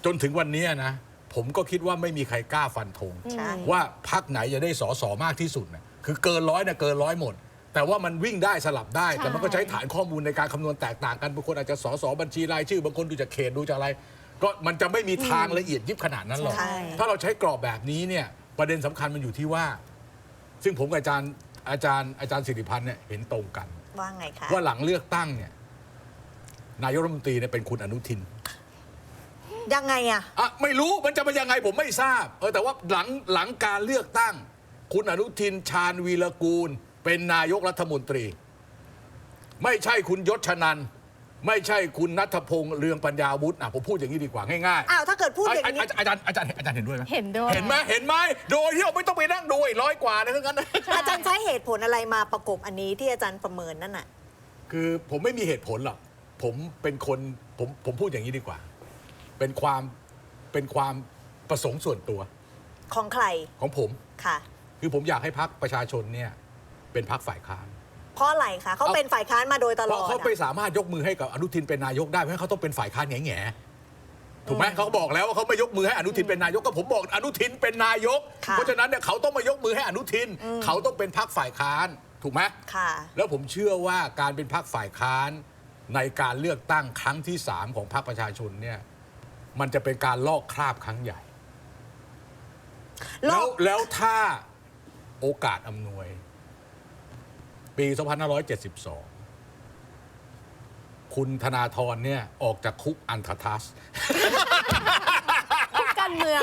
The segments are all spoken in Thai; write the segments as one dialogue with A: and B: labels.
A: จนถึงวันนี้นะผมก็คิดว่าไม่มีใครกล้าฟันธงว่าพรรคไหนจะได้สสมากที่สุดนะคือเกินร้อยนะเกินร้อยหมดแต่ว่ามันวิ่งได้สลับได้แต่มันก็ใช้ฐานข้อมูลในการคำนวณแตกต่างกันบางคนอาจจะสสบัญชีรายชื่อบางคนดูจากเขตดูจากอะไรก็มันจะไม่มีทางละเอียดยิบขนาดนั้นหรอกถ้าเราใช้กรอบแบบนี้เนี่ยประเด็นสำคัญมันอยู่ที่ว่าซึ่งผมกับอาจารย์สิริพันธ์เนี่ยเห็นตรงกัน
B: ว่าไงคะ
A: ว่าหลังเลือกตั้งเนี่ยนายกรัฐมนตรีเนี่ยเป็นคุณอนุทิน
B: ยังไงอะ
A: ไม่รู้มันจะเป็นยังไงผมไม่ทราบแต่ว่าหลังการเลือกตั้งคุณอนุทินชาญวีรกูลเป็นนายกรัฐมนตรีไม่ใช่คุณยศชนันท์ไม่ใช่คุณณัฐพงษ์เรืองปัญญาวุฒิผมพูดอย่างนี้ดีกว่าง่าย
B: ๆถ้าเกิดพูดอย่างนี้
A: อาจารย์เห็นด้วยไหม
C: เห็นด้วย
A: เห็นไหมโดยที่เราไม่ต้องไปนั่งดู100 กว่านะทั้งนั้น
B: อาจารย์ใช้เหตุผลอะไรมาประกบอันนี้ที่อาจารย์ประเมินนั่นน่ะ
A: คือผมไม่มีเหตุผลหรอกผมเป็นคนผมพูดอย่างนี้ดีกว่าเป็นความประสงค์ส่วนตัว
B: ของใคร
A: ของผม
B: ค่ะ
A: คือผมอยากให้พรรคประชาชนเนี่ยเป็นพรรคฝ่ายค้าน
B: เพราะอะไรคะเขาเป็นฝ่ายค้านมาโดยตลอด
A: เขาไม่สามารถยกมือให้กับอนุทินเป็นนายกได้เพราะเขาต้องเป็นฝ่ายค้านแง่ถูกไหมเขาบอกแล้วว่าเขาไม่ยกมือให้อนุทินเป็นนายกก็ผมบอกอนุทินเป็นนายกเพราะฉะนั้นเนี่ยเขาต้องมายกมือให้อนุทินเขาต้องเป็นพรรคฝ่ายค้านถูกไหม
B: ค่ะ
A: แล้วผมเชื่อว่าการเป็นพรรคฝ่ายค้านในการเลือกตั้งครั้งที่3ของพรรคประชาชนเนี่ยมันจะเป็นการลอกคราบครั้งใหญ่แล้วถ้าโอกาสอำนวยปี 2572 คุณธนาธรเนี่ยออกจากคุกอันททัส
C: คุกการเมือง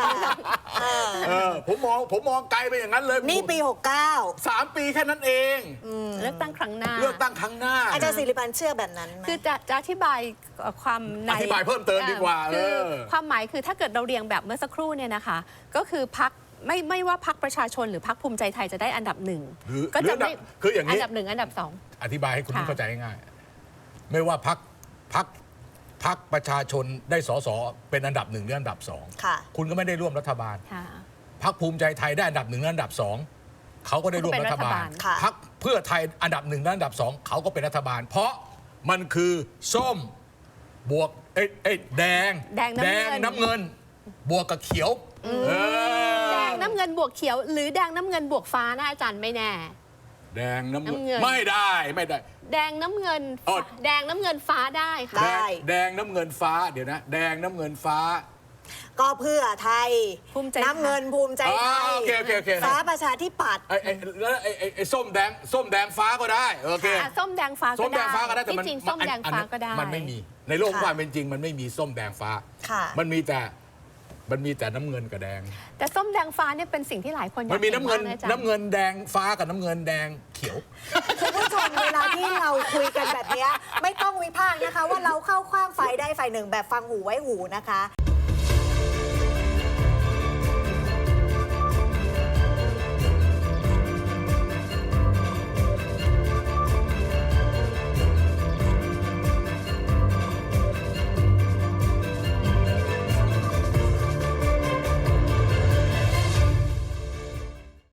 A: ผมมองไกลไปอย่างนั้นเลย
B: นี่ปี 69
A: 3 ปีแค่นั้นเอง
C: เลือกตั้งครั้งหน้า
B: อาจารย์สิริพันธ์เชื่อแบบนั้นไหม
C: คือจะอธิบายความใน
A: อธิบายเพิ่มเติมดีกว่า
C: คือความหมายคือถ้าเกิดเราเรียงแบบเมื่อสักครู่เนี่ยนะคะก็คือพรรคไม่ว่าพรรคประชาชนหรือพรรคภูมิใจไทยจะได้อันดับ1ก็จะไม่
A: คืออย่างนี้
C: อันดับ1อันดับ2
A: อธิบายให้คุณเข้าใจง่ายๆไม่ว่าพรรคประชาชนได้สสเป็นอันดับ1หรืออันดับ2คุณก็ไม่ได้ร่วมรัฐบาลพรรคภูมิใจไทยได้อันดับ1และอันดับ2เขาก็ได้ร่วมรัฐบาลพรรคเพื่อไทยอันดับ1และอันดับ2เขาก็เป็นรัฐบาลเพราะมันคือส้มบวกแดงน้ำเงินบวกกับเขียว
C: แดงน้ำเงินบวกเขียวหรือแดงน้ำเงินบวกฟ้านะอาจารย์ไม่แน่
A: แดงน้ำเงินไม่ได้
C: แดงน้ำเงินฟ้าได้ค่ะ
A: แดงน้ำเงินฟ้าเดี๋ยวนะแดงน้ำเงินฟ้า
B: ก็เพื่อไทยน้ำเงินภูมิใจไทยฟ้าประชาธิปัตย์
A: แล้วไอ้ส้มแดงฟ้าก็ได้โอเค
C: ส้มแดงฟ้าก็ได้
A: แต่
C: จริงส้มแดงฟ้าก็ได้
A: มันไม่มีในโลกความเป็นจริงมันไม่มีส้มแดงฟ้ามันมีแต่น้ำเงินกับแดง
C: แต่ส้มแดงฟ้าเนี่ยเป็นสิ่งที่หลายคนอยาก
A: มันมีน้ำเงินแดงฟ้ากับน้ำเงินแดงเขียว
B: คุณผู้ชมเวลาที่เราคุยกันแบบนี้ไม่ต้องวิพากษ์นะคะว่าเราเข้าข้างฝ่ายใดฝ่ายหนึ่งแบบฟังหูไว้หูนะคะ